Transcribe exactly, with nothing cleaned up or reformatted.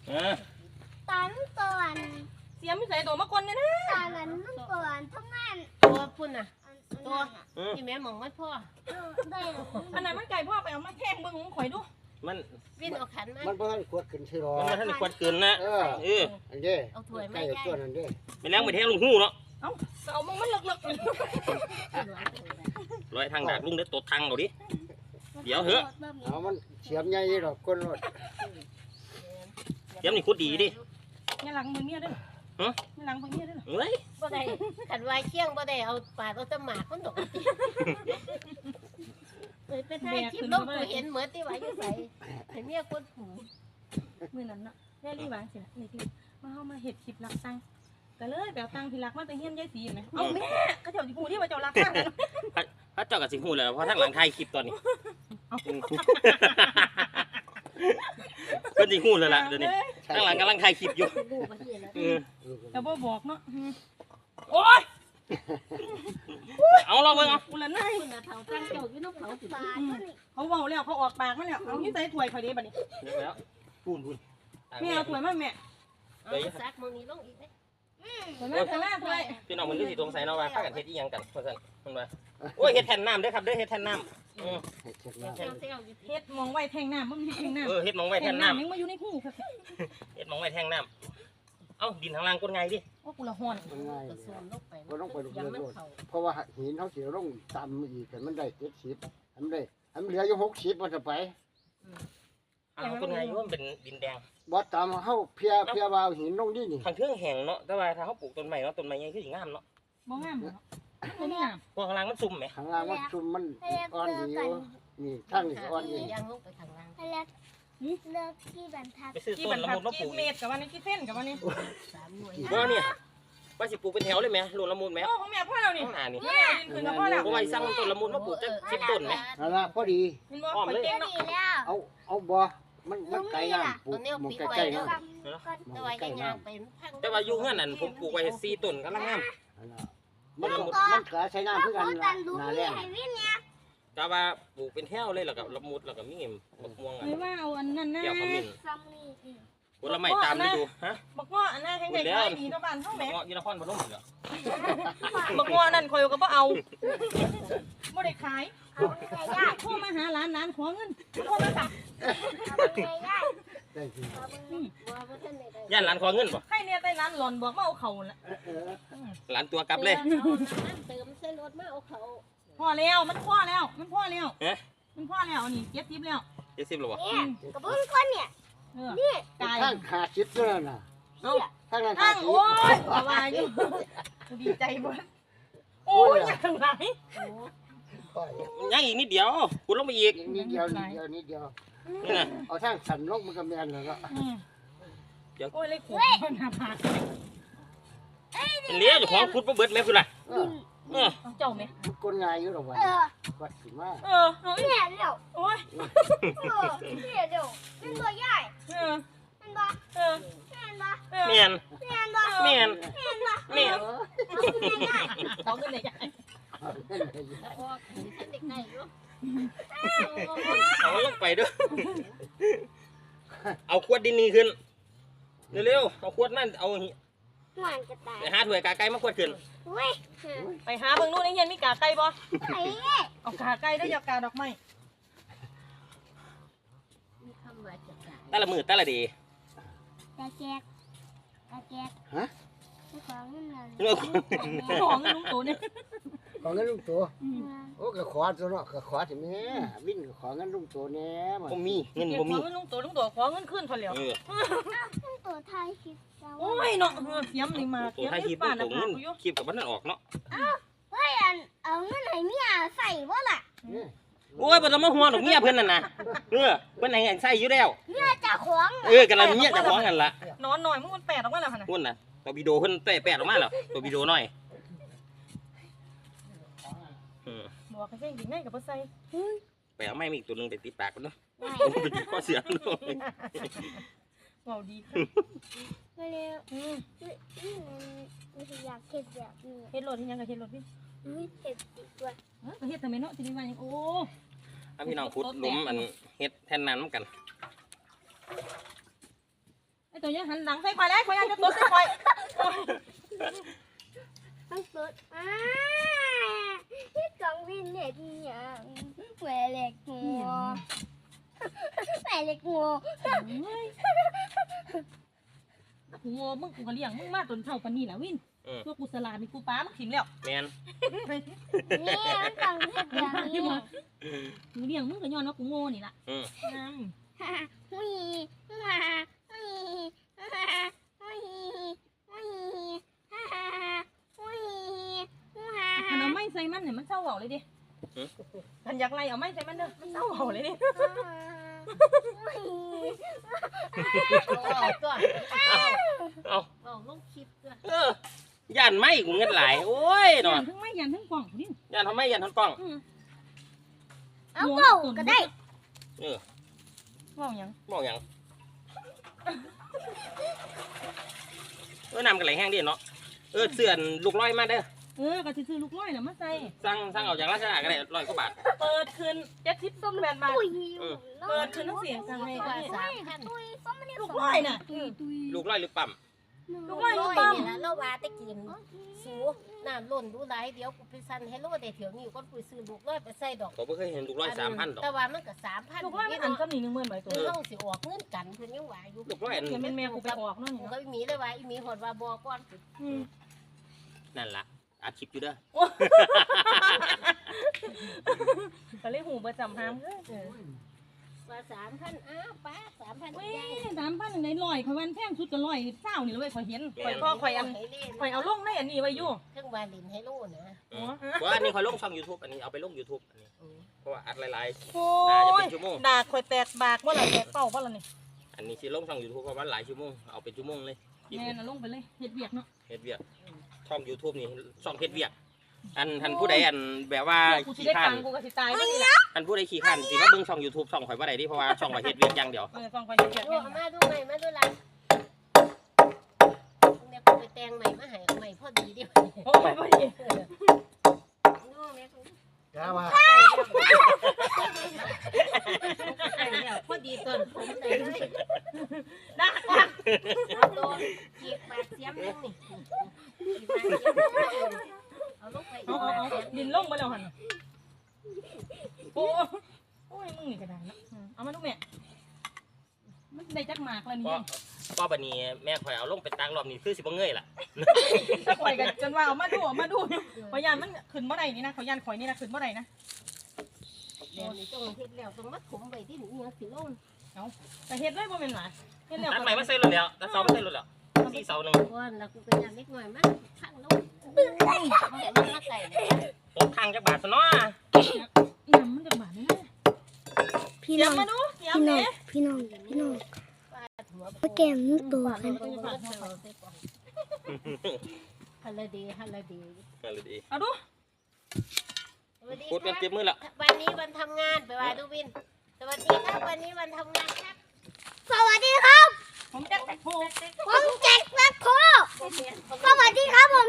ตอนก่อนเสียไม่ใส่ตัวมาคนเนี่ยนะตอนนั้นก่อนทั้งนั้นตัวพุ่นน่ะตัวที่แม่มองมันพ่ออันนั้นมันไก่พ่อไปเอามาแทงเบิ้งของข่อยดูมันวิ่งเอาขันมามันเพิ่งขวดขึ้นใช่หรอมันท่านขวดขึ้นนะเออเอออันเด้เอาถ้วยไม่ได้ตัวนั้นเด้ไปแล้วไปแทงลุงหู้เนาะเอ้าเอามันมันเลิกๆลอยทางดากลุงเด็ดตดทางเราดิเดี๋ยวเหอะเอามันเฉียบใหญ่หรอกก้นรถเดี๋ยวนี่คุดดีดิเนี่ยหลังมือเมียด้วยฮะเนี่ยหลังมือเมียด้วยเฮ้ยบ่ได้ขันวายเคี่ยงบ่ได้เอาปาดเอาตะหมากมันดอกเลยไปถ่ายคลิปลงกูเห็นเหมือนที่ว่าอยู่ใส่เห็นเมียคนหูมือนั้นเนาะแม่รีบวางสินะนี่คือมาเข้ามาเห็ดคลิปรักตังก็เลยแบบตังที่รักมาแต่เฮี้ยนยายสีไหมเอาแม่ก็เจ้าจีพูที่ว่าเจ้ารักตังพระเจ้ากับสิงหูเลยเพราะทั้งหลังไทยคลิปตอนนี้เป็นสิงหูเลยล่ะเดี๋ยวนี้ทั้งหลังกำลังไทยคลิปอยู่แต่บ่บอกเนาะโอ๊ยเอาลองไปเอาอุลนายเขาตั้งเจ้าอยู่น้องเขาเขาเบาแล้วเขาออกปากมาแล้วเอาที่ใส่ถ้วยพอดีบัดนี้แล้วพูนพูนแม่เอาถ้วยมาแม่ไปซักมึงนี่ลงอีกไหมถ้วยมาถ้วยมาถ้วยพี่น้องมันรู้สิตรงใส่เนาะว่าข้ากันเฮ็ดอีหยังกันเพราะฉะนั้นมันว่าโอ้ยเฮ็ดแทนน้ำเด้อครับเด้อเฮ็ดแทนน้ำเฮ็ดมองไว้แทงน้ำมันแทงน้ำเออเฮ็ดมองไว้แทนน้ำยังมาอยู่ในหูครับเฮ็ดมองไว้แทงน้ำเอ้าดินทางล่างก้นไงดิโอ้กูละห่อนก็ต้องไปลงเรือเพราะว่าหินเขาเสียลงต่ำอีกแต่มันได้เจ็ดสิบทำได้ทำเหลืออยู่หกสิบมันจะไปอ้าวก้นไงมันเป็นดินแดงบอสตามเขาเพียเพียว่าหินลงดินี่ทางเครื่องแห้งเนาะแต่ว่าถ้าเขาปลูกต้นไม้เนาะต้นไม้ยังคือสิงามเนาะบ่งามเนาะบ่งามพวกข้างล่างมันซุ่มไหมข้างล่างมันซุ่มมันอ่อนดีอยู่นี่ข้างนี้อ่อนดียังลงไปข้างล่างเลิกที่บรรทัดไปซื้อต้นละมุดมาปลูกเมตรกับวันนี้กี่เส้นกับวันนี้ว่าเนี่ยว่าสิปลูกเป็นแถวเลยไหมรวมละมุดไหมโอ้ของแม่พ่อเรานี่ข้างหน้านี่คือกับพ่อเราเพราะว่าสั่งต้นละมุดมาปลูกจะสิบต้นไหมนั่นละพอดีอ้อมเลยเอาเอาบ่มันมันไกลงามปลูกมันใกล้ๆนะแต่ว่าอยู่เงื่อนนั่นผมปลูกไว้สี่ต้นกำลังงามมันมันกระใช้น้ำเพื่อกันนาแรงแต่ว่าปลูกเป็นแถวเลยแล้วก็ละมุดแล้วก็มีเงี้ยมะม่วงอ่ะไม่ว่าเอาอันนั้นนะเกี่ยวกับมิ้นผลไม้ตามฤดูฮะบักง้ออันนั้นแห้งใหญ่ดีตะวันเท่าไหร่บักง้อยีนครพนมเหรอบักง้อนั่นคอยก็บ่เอาบ่ได้ขายโทรมาหาร้านร้านขอเงินโทรมาสั่งย่านร้านขอเงินป่ะให้เนี่ยไปร้านหล่อนบอกมาเอาเขาละร้านตัวกลับเลยเติมเส้นรถมาเอาเขาพ่อแล้วมันพ่อแล้วมันพ่อแล้วมันพ่อแล้วนี่เจ็ดสิบแล้วเจ็ดสิบหรอวะกระเบื้องก้นเนี่ยนี่ข้างขาชิดด้วยนะข้างข้างโอ้ยวายอยู่ดีใจบ่โอ้ยยังไงยังอีกนิดเดียวคุณลงไปอีกนิดเดียวนิดเดียวนิดเดียวนี่นะเอาทางสันลงมันก็แมนเลยก็เดี๋ยวโอ้ยเลยขุดหน้าผากเป็นเลี้ยอยู่ของคุณประเบิดไหมคุณล่ะเจ้าไหมก้นง่ายอยู่หรอวะวัดสิมาเออเนี่ยเดี๋ยวโอ้ยเออเนี่ยเดี๋ยวเป็นตัวใหญ่เออเป็นบ้าเออเมียนเมียนเมียนเขาขึ้นเลยใหญ่เอาลงไปด้วยเอาขวดดินนี่ขึ้นเร็วๆเอาขวดนั่นเอาไปหาถ้วยกาไก่มาขวดขึ้นไปหาเบิ่งนู่นนี่เย็นมีกาไก่บ่เอากาไก่ด้วยยากาดอกไม้แต่ละมือแต่ละดีตาแจกตาแจกฮะของเงินของเงินลุงตู่เนี่ยของเงินลุงตู่โอ้ก็ขอตัวเนาะก็ขอถึงแม่วิ่งขอเงินลุงตู่แน่บ่มีเงินบ่มีขอเงินลุงตู่ลุงตู่ขอเงินขึ้นพอแล้วลุงตู่ไทยคลิปโอ้ยเนาะเสียมนี่มาเสียมที่บ้านนะผมคลิปกับมันนั่นออกเนาะอ้าวเฮ้ยอันเอาเงินให้เมียใส่บ่ล่ะโอ้ยบ่ต้องมาห่วงดอกเมียเพิ่นนั่นน่ะเออเพิ่นให้ใส่อยู่แล้วเมียจะขวางเออกันละเมียจะขวางกันละนอนหน่อยมึงมันแปดออกมาแล้วหั่นน่ะพุ่นน่ะตัววิดีโอเพิ่นแปะๆออกมาแล้วตัววิดีโอน้อยบอกให้เพ่งดิง่ายกับบ่ใส่ไปเอาไม้มีอีกตัวนึงไปติดปากมันเนาะไปติดข้อเสียงเนาะว้าวดีค่ะมาเร็วอืมนี่อยากเฮ็ดแบบนี้เฮ็ดรถที่ยังก็เฮ็ดรถพี่เฮ็ดติดด้วยเออเฮ็ดทำไมเนาะทีนี้ว่าโอ้ถ้าพี่น้องขุดหลุมอันเฮ็ดแทนนั้นเหมือนกันตัวยังหันหลังใส่ควายแล้วควายจะตัวใส่ควายต้องเปิดอ่าที่กองวินเน็ตยังแหวเล็กงัวแหวเล็กงัวกูโง่มึงกูก็เลี้ยงมึงมาจนเท่าปานนี้แหละวินตัวกูสลาดนี่กูป้ามึงถิ่มแล้วแมนนี่มันต้องเฮ็ดอย่างนี้กูเลี้ยงมึงก็ย้อนว่ากูโง่นี่ล่ะอืมน้ำฮ่าหุยฮ่าหุยฮ่าหุยหุยฮ่าหุยฮ่าคันเอาไม้ใส่มันเนี่ยมันเศร้าเบาเลยดิคันอยากไล่เอาไม้ใส่มันเด้อมันเศร้าเบาเลยดิเอาก่อนเอาเอาลงคลิปด้วยเออย่านไม่กูเงินหลายโอ้ยหน่อยยันทั้งไม้ยันทั้งกล่องนี่ย่านทำไมย่านทำกล้องเอาเป่าก็ได้เออว่าหยังบอกอย่างเออนำกันไหลแห้งดิเนาะเออเสื่อนลูกร้อยมาเด้อเออก็สิซื้อลูกร้อยน่ะมาใส่สั่งสั่งเอาจากราชดาก็ได้ร้อยกว่าบาทเปิดคืนเจ็ดสิบส้มแบนบาทตุยเปิดคืนทั้งเสียงสั่งให้ว่าก็สามพันตุยส้มมันนี่ลูกร้อยน่ะตุยตุยลูกร้อยหรือปั๊มลูกร้อยร้ลูอก ยปั๊มนี่ละเราว่าตะกินสูน้ำล้นดูหลายเดี๋ยวกูไปสั่นให้โลได้เถียวนี้ก็กูซื้อลูกร้อยไปใส่ดอกผมไม่เคยเห็นลูกร้อยสามพันดอกแต่ว่ามันก็สามพันลูกร้อยมันอันซ้ำนี่หนึ่งหมื่นใบตัวเพิ่นเฮาสิออกเงินกันเพิ่นยังว่าอยู่ลูกร้อยอันเดี๋ยวแม่แม่กูไปออกเนาะกูนี่ก็เนาะมีเลยว่าอีมีหอดว่าบอก่อนอืมนั่นล่ะอาชีพอยู่เด้อก็เลยหูประจำหามเลยว่าสามพันอ้าวป้าสามพันเว้ยยายสามพันในลอยข่อยวันแพงสุดก็ลอยเศร้านี่เลยเว้ยข่อยเห็นข่อยก็ข่อยอันให้เล่นข่อยเอาลงในอันนี้ไว้อยู่เครื่องวาลินให้โลนะอืมเพราะว่าอันนี้เขาลงช่อง YouTube อันนี้เอาไปลง YouTube อันนี้อืมเพราะว่าอัดหลายโอ้ๆน่าจะเป็ยนชั่วโมงด่าข่อยแตกบากว่าไรแตกเป้าว่าไรนี่อันนี้สิลงช่อง YouTube เพราะว่าหลายชั่วโมงเอาเป็นชั่วโมงเลยแม่น่ะลงไปเลยเฮ็ดเวียกเนาะเฮ็ดเวียกช่อง YouTube นี่ช่องเฮ็ดเวียกอันท่านผู้ใดอันแบบว่ากูสิขี้ได้ข้าตันงค์กูก็สิตายไปนี่แหละท่านผู้ใดขี้ข้านสิมาเบิ่งช่อง YouTube ช่องข่อยบ่ได้ดิเพราะว่าช่องข่อยเฮ็ดเวียกอย่างเดียวเออฟังข่อยเฮ็ดเวียกดูเนี่ยเอามาดูใหม่มาดูหลังเนี่ยกูไปแต่งใหม่มาให้เอาใหม่พอดีเดียวโอ้ยพอดีดูแม่กูกาว่าใส่แล้วพอดีต้นผมใส่เลยด่าก่อนเอาโดนกีบปากเสียมนึงนี่กีบปากเสียมนึงเอาลงไปอีเอากเอาปากเอาเสียมดินลงไปแล้วหั่นโอ้โอ้ยมึงนี่ก็ได้เนาะเอามาดูแม่มันได้จักหมากแล้วเพนี่ราะเพราะบัดนี้แม่ข่อยเอาลงเป็นตังรอบนี้คือสิบ่เงยล่ะถ้าข่อยกันจนว่าเอามาดูเอามาดูข่อยยานมันขึ้นบ่ได้นี่นะข่อยยานข่อยนี่นะขึ้นบ่ได้นะเดี๋ยวนี้ต้องเฮ็ดแล้วต้องมัดผมไว้ที่นี่ยังสิลงแต่เฮ็ดเลยบ่แม่นหลายเฮ็ดแล้วตัดใหม่มาใส่รถแล้วตัดเสามาใส่รถแล้วสี่เสาหนึงก่อนแล้วกูก็อยากเล็กหน่อยมาข้างลงมันมาใส่เลยตกทางจักบาทซะเนาะน้ำมันจักบาทนี่นะพี่เดี๋น้ยอวงมาดูเดี๋ยวพี่น้องแม่พี่น้องพี่น้องหัวมาแก้มนึกตัวกันฮัลโหลดีฮัลโหลดีนั่นเลยดีเอาดูสวัสดีพูดกันคเจ็รับบ มือแล้ววันนี้วันทำงานไปว่าดูวิน สวัสดีครับวันนี้วันทำงานครับสวัสดีครับผมจะโทรผมแจ็คแม็คโคสวัสดีครับผม